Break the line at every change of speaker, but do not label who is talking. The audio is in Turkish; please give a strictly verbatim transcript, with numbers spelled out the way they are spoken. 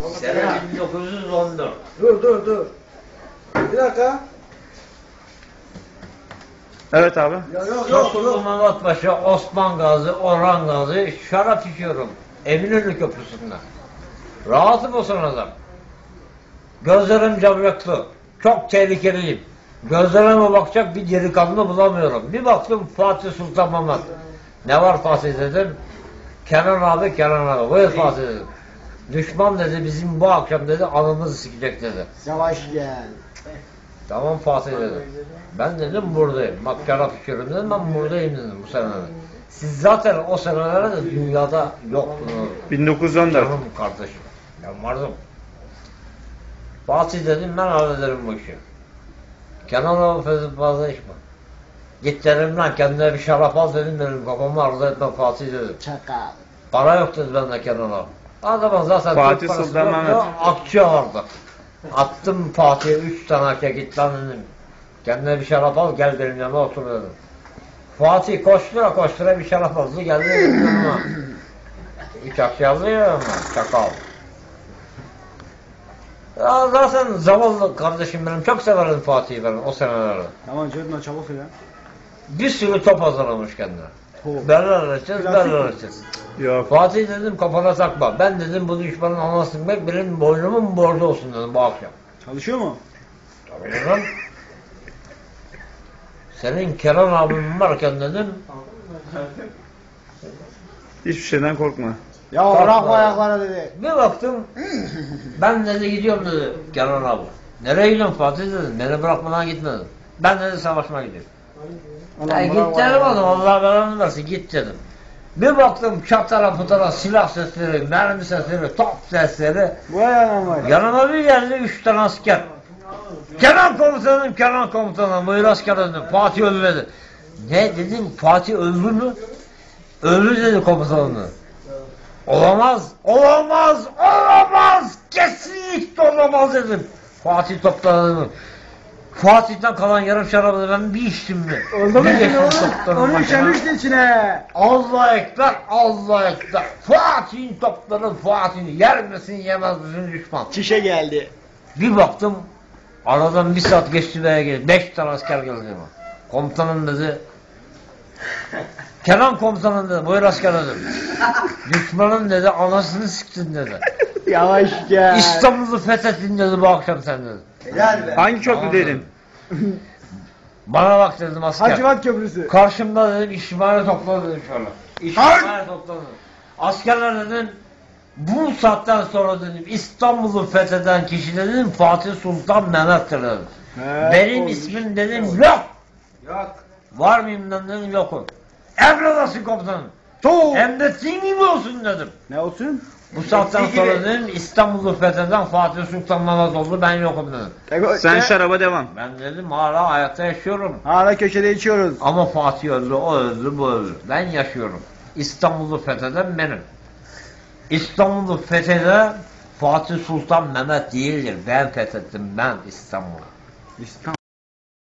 Sene bin dokuz yüz on dört.
Dur dur dur. Bir dakika.
Evet abi.
Ya yok yok
Tosunlu
yok.
Mehmet Paşa, Osman Gazi, Orhan Gazi şarap içiyorum. Eminönü Köprüsü'nde. Rahatım o sırada. Gözlerim camyaklı. Çok tehlikeliyim. Gözlerime bakacak bir delikanlı bulamıyorum. Bir baktım Fatih Sultan Mehmet. Ne var Fatih dedim. Kenan abi, Kenan abi. Buyur Fatih dedim. Düşman dedi bizim bu akşam dedi anımızı sikecek dedi.
Yavaş gel.
Tamam Fatih dedim. Ben dedim buradayım. Bak şarap içiyorum dedim, ben buradayım dedim bu senelerde. Siz zaten o senelerde dünyada yoktunuz.
bin dokuz yüz on dört.
Canım kardeşim. Ben vardım. Fatih dedim ben hallederim bu işi. Kenan abi fazla fazla içme. Git dedim lan kendine bir şarap al dedim benim kafamı arzu etme Fatih dedim.
Çakal.
Para yok dedi bende Kenan abi. Adamın zaten
Fatih
Türk parası
Sultan
yoktu,
Mehmet.
akçe vardı. Attım Fatih'e üç tane akçe git lan dedim. Kendine bir şarap al gel benim yanıma otur dedim. Fatih koştura koştura bir şarap aldı geldi benim yanıma. Üç akçe aldı ya ama çakal. Ya zaten zavallı kardeşim benim çok severim Fatih'i ben o senelerde.
Tamam Cedna çabuk ya.
Bir sürü top hazırlamış kendine.
Top.
Berler açacağız,
Plastik
berler
mi?
açacağız.
Yok.
Fatih dedim kafana takma. Ben dedim bu düşmanın anasını bek benim boynumun borcu olsun dedim bu akşam.
Çalışıyor mu?
Tabii dedim. Senin Kenan abim varken dedim.
Hiçbir şeyden korkma.
Ya
Kalkma.
bırak bu ayaklara dedi.
Bir baktım. Ben dedi gidiyorum dedi Kenan abi. Nereye gidiyorsun Fatih dedim. Beni bırakmadan gitme dedim. Ben dedi savaşmaya gidiyorum. Ya git dedim oğlum Allah belanı versin git dedim. Bir baktım çatara putara silah sesleri, mermi sesleri, top sesleri.
Bu ayağına var.
Yanıma bir geldi üç tane asker. Kenan komutanım, Kenan komutanım, buyur asker dedim. Fatih öldü dedi. Ne dedim, Fatih öldü mü? Öldü dedi komutanım. Olamaz, olamaz, olamaz, kesinlikle olamaz dedim. Fatih topladı. Fatih'ten kalan yarım şarabı ben bir içtim mi?
Oldu mu
Bir
şimdi
geçtim
oğlum?
toplarım
Onu
başına.
işemişti içine.
Allah ekber, Allah ekber. Fatih'in topları Fatih'in yer misin yemez misin düşman.
Çişe geldi.
Bir baktım aradan bir saat geçti veya geldi. Beş tane asker geldi ama. Komutanım dedi. Kenan komutanım dedi. Buyur asker dedim. Düşmanın dedi anasını siktin dedi.
Yavaş gel.
İstanbul'u fethettin dedi bu akşam sen dedi.
Helal be.
Hangi
Tamam
köprüdeydin?
dedim. Bana bak dedim asker.
Hacivat Köprüsü.
Karşımda dedim işimhane topladı dedim şöyle. İşimhane topladı. Askerler dedim bu saatten sonra dedim İstanbul'u fetheden kişi dedim Fatih Sultan Mehmet'tir dedim.
He,
Benim
olmuş.
ismim dedim yok.
Yok.
Var mıyım lan dedim yokum. Emredasın komutanım.
Tuğ.
Hem de senin gibi olsun dedim.
Ne olsun?
Bu saatten sonra dedim İstanbul'u fetheden Fatih Sultan Mehmet oldu ben yokum dedim.
Sen şaraba devam.
Ben dedim hala hayatta yaşıyorum.
Hala köşede içiyoruz.
Ama Fatih öldü, o öldü, bu öldü. Ben yaşıyorum. İstanbul'u fetheden benim. İstanbul'u fetheden Fatih Sultan Mehmet değildir. Ben fethettim ben İstanbul'u.
İstanbul.